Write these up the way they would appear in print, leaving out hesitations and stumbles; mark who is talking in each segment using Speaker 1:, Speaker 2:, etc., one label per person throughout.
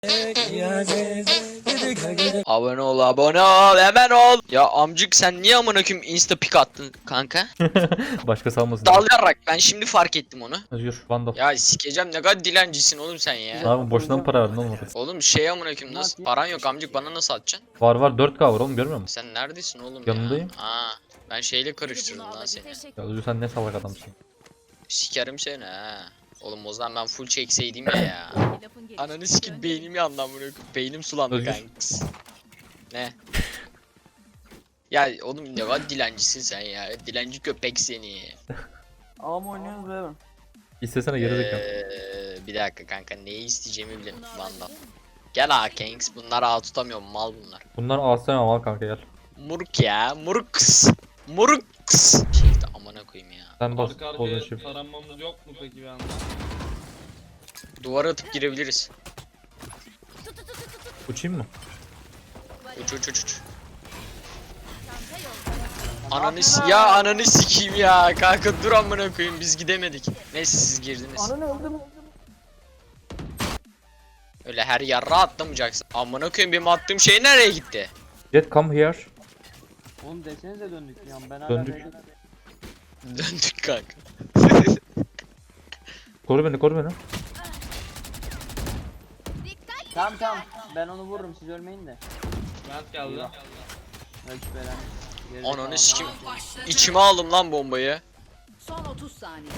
Speaker 1: Abone ol, abone ol, hemen ol. Ya amcık sen niye amına koyayım insta pic attın kanka?
Speaker 2: Başka salmasın.
Speaker 1: Dal yarrak, ben şimdi fark ettim onu.
Speaker 2: Yürü Vandal.
Speaker 1: Ya sikeceğim, ne kadar dilencisin oğlum sen ya.
Speaker 2: Abi boşuna mı para verdin oğlum oraya?
Speaker 1: Oğlum şey amına koyayım, nasıl paran yok amcık, bana nasıl atacaksın?
Speaker 2: Var var 4K var oğlum, görmüyor musun?
Speaker 1: Sen neredesin oğlum
Speaker 2: Yanındayım.
Speaker 1: ya? Aa, ben şeyle karıştırdım lan seni.
Speaker 2: Ya Özgür sen ne salak adamsın.
Speaker 1: Sikerim seni ha. Oğlum o zaman ben full çekseydim ya. Ananı sikip beynim yandı amına koyayım. Beynim sulandı
Speaker 2: Özgür.
Speaker 1: kanks. Ne? Ya oğlum ne kadar dilencisin sen ya. Dilenci köpek seni.
Speaker 3: Ağam oynuyoruz be.
Speaker 2: İstesene gerizekalı.
Speaker 1: Bir dakika kanka, neyi isteyeceğimi bilirim Vandal. Gel Kanks, bunlar ağ tutamıyorum, mal bunlar.
Speaker 2: Bunlar alsana al kanka gel.
Speaker 1: Muruk ya, muruks. Muruks. Şeyde amına koyayım ya.
Speaker 2: Sen bas
Speaker 4: Arka
Speaker 2: bozun
Speaker 4: arkaya
Speaker 2: şimdi.
Speaker 4: taranmamız yok mu peki bir anda?
Speaker 1: Duvara atıp girebiliriz.
Speaker 2: Uçayım mı?
Speaker 1: Uç uç uç uç. Ananı sikeyim ya kanka, dur amına koyayım, biz gidemedik. Neyse siz girdiniz.
Speaker 3: Ananı öldüm.
Speaker 1: Öyle her yarra atlamayacaksın. Amına koyayım, benim attığım şey nereye gitti?
Speaker 2: Jet come here.
Speaker 3: Oğlum desenize döndük ya. Ben hala
Speaker 2: Döndük.
Speaker 3: B'de-
Speaker 1: Döndük kanka.
Speaker 2: Koru beni koru beni.
Speaker 3: Tamam tamam. Ben onu vururum, siz ölmeyin de.
Speaker 4: Mert geldi.
Speaker 3: Ölç veren. Geride
Speaker 1: Ananı
Speaker 3: kalan-
Speaker 1: sikeyim. İçime aldım lan bombayı.
Speaker 5: Son 30 saniye.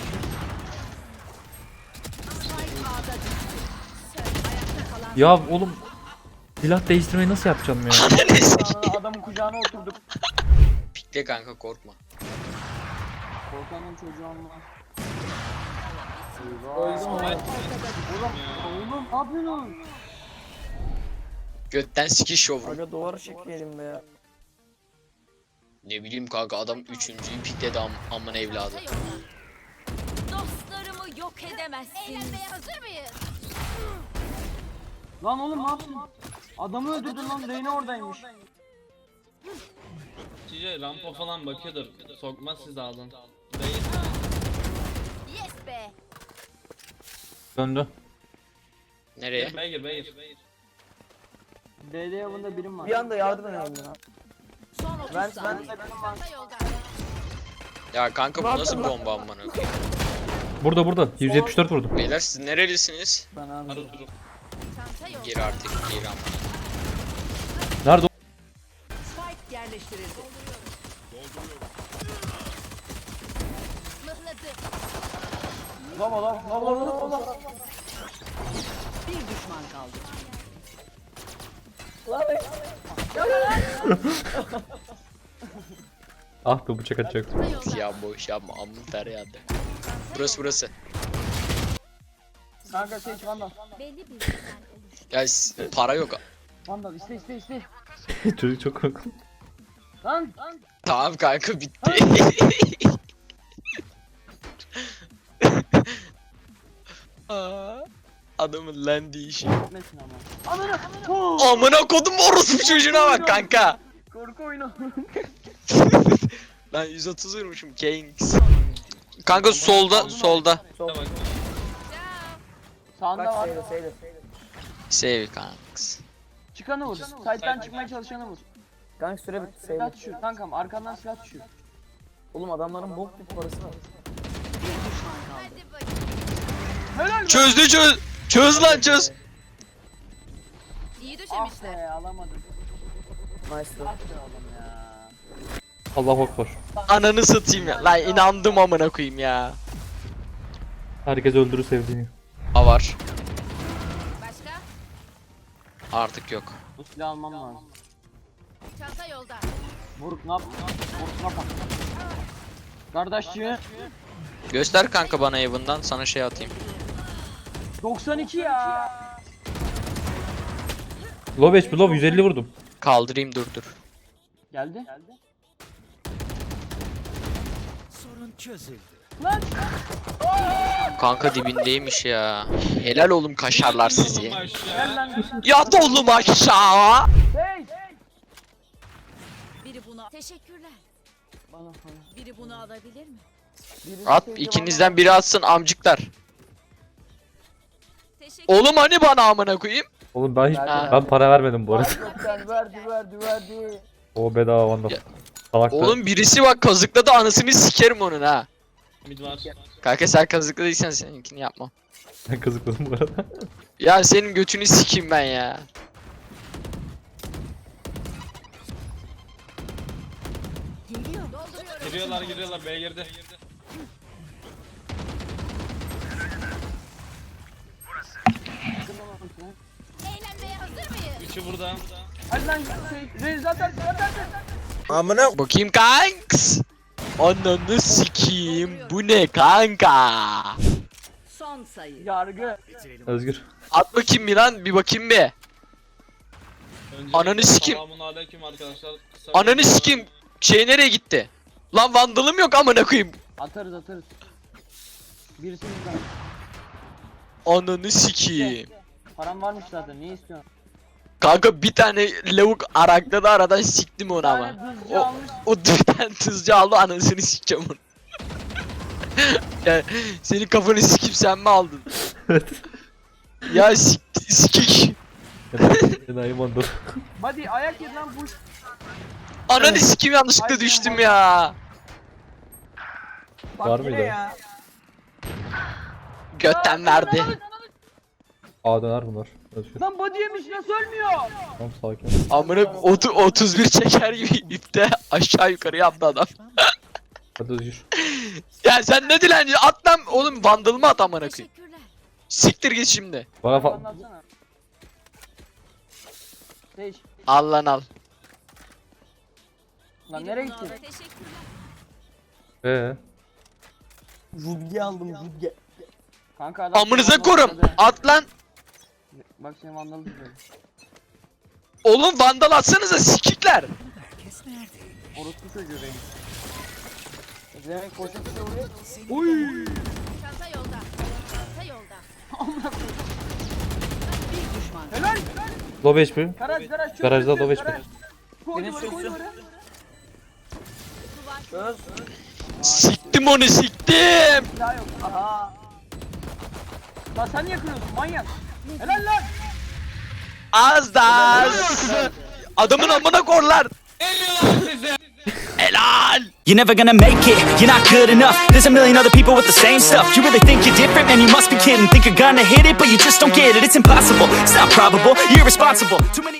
Speaker 5: Spike A'da düştü. Ayakta kalan
Speaker 2: Ya oğlum. Silah değiştirmeyi nasıl yapacağım ya?
Speaker 1: Ananı sikeyim.
Speaker 3: Aa, adamın kucağına oturduk.
Speaker 1: Pikle kanka, korkma.
Speaker 3: Korkanın çocuğu olmaz. Eyvah. Oğlum ne yapıyorsun?
Speaker 1: Götten sikiş şovru.
Speaker 3: Aga duvarı çekmeyelim be ya.
Speaker 1: Ne bileyim kanka, adam 3.'yü pikledi amın evladı.
Speaker 5: dostlarımı yok edemezsin. Eğlenmeye hazır mıyız?
Speaker 3: Lan oğlum ne yaptın? Adamı öldürdün lan, Reyna oradaymış.
Speaker 4: Cice rampa falan bakıyordur. Sokmaz siz alın. Değil.
Speaker 5: Yes be.
Speaker 2: Döndü.
Speaker 1: Nereye?
Speaker 4: Beygir.
Speaker 3: DD yavında birim var.
Speaker 6: Bir anda yardım edelim ya.
Speaker 5: Son 30
Speaker 3: Ben
Speaker 5: saniye.
Speaker 3: de birim var.
Speaker 1: Ya kanka bu nasıl bomba amına koyayım?
Speaker 2: Burada 174 vurdum.
Speaker 1: Beyler siz nerelisiniz?
Speaker 3: Ben abi.
Speaker 4: Arı durup.
Speaker 1: Gir artık, gir ama.
Speaker 2: Nerede o?
Speaker 5: Spike yerleştirildi.
Speaker 3: Lava.
Speaker 5: Bir düşman kaldı.
Speaker 2: Ah be bıçak atacak.
Speaker 1: Ya boş yapma, amın tereyağında. Burası.
Speaker 3: Kanka seç Vandal.
Speaker 1: Ya para yok.
Speaker 3: Vandal iste.
Speaker 2: Çocuk çok korktu.
Speaker 3: Lan.
Speaker 1: Tamam kanka, bitti. Aa, adamın lendi işi.
Speaker 3: Gitmesin ama. Ananı.
Speaker 1: Amına kodum orospu çocuğuna bak kanka.
Speaker 3: Korku oyunu.
Speaker 1: Ben 130 vurmuşum Kings. Kanka solda.
Speaker 4: Bak.
Speaker 3: Sağında
Speaker 6: Bak
Speaker 3: var.
Speaker 6: seyre.
Speaker 1: Save kanks.
Speaker 3: Çıkanı vur. Side'den çıkmaya çalışanı vur.
Speaker 6: Kanka süre bitti seyre.
Speaker 3: Silah düşüyor kankam, arkandan silah düşüyor.
Speaker 6: Oğlum adamların bok bir parası var.
Speaker 5: Bir düşman kaldı.
Speaker 3: Helal be.
Speaker 1: Çöz lan çöz.
Speaker 5: İyi
Speaker 3: Ah
Speaker 5: düşünmüşler.
Speaker 3: be, alamadım.
Speaker 6: Nice.
Speaker 3: Ah be oğlum ya.
Speaker 2: Allah akbar.
Speaker 1: Ananı satayım ya. Lan inandım amına koyayım ya.
Speaker 2: Herkes öldürür sevdiğini.
Speaker 1: A var.
Speaker 5: Başka?
Speaker 1: Artık yok.
Speaker 3: Bu silahı almam lazım.
Speaker 5: Çanta yolda.
Speaker 3: Vuruk ne yap? Vuruk ne yap? Kardeşçi.
Speaker 1: Göster kanka bana evinden, sana şey atayım.
Speaker 3: 92 ya.
Speaker 2: Low HP low 150 vurdum.
Speaker 1: Kaldırayım, dur.
Speaker 3: Geldi. Lan.
Speaker 1: Kanka dibindeymiş ya. Helal oğlum kaşarlar sizi.
Speaker 3: Gel lan.
Speaker 1: Yat oğlum aşağı.
Speaker 3: Hey.
Speaker 5: Biri bunu... Teşekkürler.
Speaker 3: Bana.
Speaker 5: Biri bunu alabilir mi?
Speaker 1: At, ikinizden biri atsın amcıklar.
Speaker 5: Teşekkür
Speaker 1: Oğlum hani bana amına koyayım?
Speaker 2: Oğlum ben hiç
Speaker 6: Verdi,
Speaker 2: ben para vermedim bu arada.
Speaker 6: Gerçekten verdi.
Speaker 2: O bedava Vandal.
Speaker 1: Ya,
Speaker 2: Salak
Speaker 1: Oğlum birisi bak kazıkladı anasını sikerim onun ha.
Speaker 4: Mid var.
Speaker 1: Kanka sen kazıkladıysan seninkini yapmam.
Speaker 2: ben kızıkladım bu arada.
Speaker 1: Ya senin götünü sikeyim ben ya.
Speaker 5: Geliyor. Dolduruyorum.
Speaker 4: Giriyorlar B'ye girdi.
Speaker 5: Eğlenmeye hazır mıyız?
Speaker 4: Üçü burada.
Speaker 3: Hadi lan Reis zaten.
Speaker 1: Bakayım kanks. Ananı sikeyim. Bu ne kanka?
Speaker 5: Son sayı.
Speaker 3: Yargı.
Speaker 2: Özgür.
Speaker 1: At bakayım bir lan bir bakayım bir.
Speaker 4: Öncelikle
Speaker 1: Ananı sikeyim.
Speaker 4: Selamünaleyküm arkadaşlar. Kısa
Speaker 1: Ananı
Speaker 4: bir-
Speaker 1: sikeyim. Şey nereye gitti? Lan vandalım yok amına koyayım.
Speaker 3: Atarız. Birisi bizden.
Speaker 1: Ananı sikeyim.
Speaker 3: Param varmış zaten. Ne istiyorsun?
Speaker 1: Kanka bir tane lavuk arakladı aradan siktim onu ama.
Speaker 3: Bir tane hızcı
Speaker 1: O,
Speaker 3: almış.
Speaker 1: o bir tane tızcı aldı anasını sikeceğim onu. Yani senin kafanı sikip sen mi aldın?
Speaker 2: Evet.
Speaker 1: Ya sikik.
Speaker 2: Enayi Vandal.
Speaker 3: Hadi ayak yedi lan bu.
Speaker 1: Ananı sikeyim yanlışlıkla düştüm ya.
Speaker 3: Bak
Speaker 2: Var
Speaker 3: yine
Speaker 2: mıydı?
Speaker 3: ya.
Speaker 1: Götten verdi.
Speaker 2: A döner bunlar. Özgür.
Speaker 3: Lan body yemiş nasıl ölmüyor?
Speaker 2: Tamam sakin.
Speaker 1: Amına 31 çeker gibi ipte aşağı yukarı yaptı adam.
Speaker 2: Hadi Özgür.
Speaker 1: Ya sen ne dilenci at lan oğlum vandalımı at amına koyayım.
Speaker 5: Teşekkürler.
Speaker 1: Siktir git şimdi.
Speaker 2: Bana
Speaker 3: Anlatsana. Değiş.
Speaker 1: Al lan al.
Speaker 3: Lan nereye gittin?
Speaker 5: Teşekkürler.
Speaker 6: Rudge aldım Rudge.
Speaker 3: Kanka adam
Speaker 1: Amınıza
Speaker 3: seni
Speaker 1: korum.
Speaker 3: vandaladı.
Speaker 1: At lan.
Speaker 3: Bak seni vandalı tutuyor.
Speaker 1: Oğlum vandal atsanıza sikikler.
Speaker 3: Orospu çocuğu benim.
Speaker 6: Demek koşup vuruyor.
Speaker 5: Çanta yolda. Çanta yolda. Bir düşman.
Speaker 3: Helal.
Speaker 2: Low HP.
Speaker 3: Garaj çöz.
Speaker 2: Garajda
Speaker 3: çöz,
Speaker 2: low
Speaker 3: garaj.
Speaker 2: HP.
Speaker 3: Koy
Speaker 6: Benim
Speaker 3: duvara koy
Speaker 6: sözüm.
Speaker 3: duvara.
Speaker 6: Çöz.
Speaker 1: Siktim onu siktim.
Speaker 3: Daha yok. Aha. Lan sen niye kırıyorsun manyak? Helal lan.
Speaker 1: Az da az. Adamın amına korlar. Helal.
Speaker 7: You're never gonna make it, you're not good enough. There's a million other people with the same stuff. You really think you're different, man, you must be kidding. Think you're gonna hit it, but you just don't get it. It's impossible, it's not probable, you're irresponsible. Too many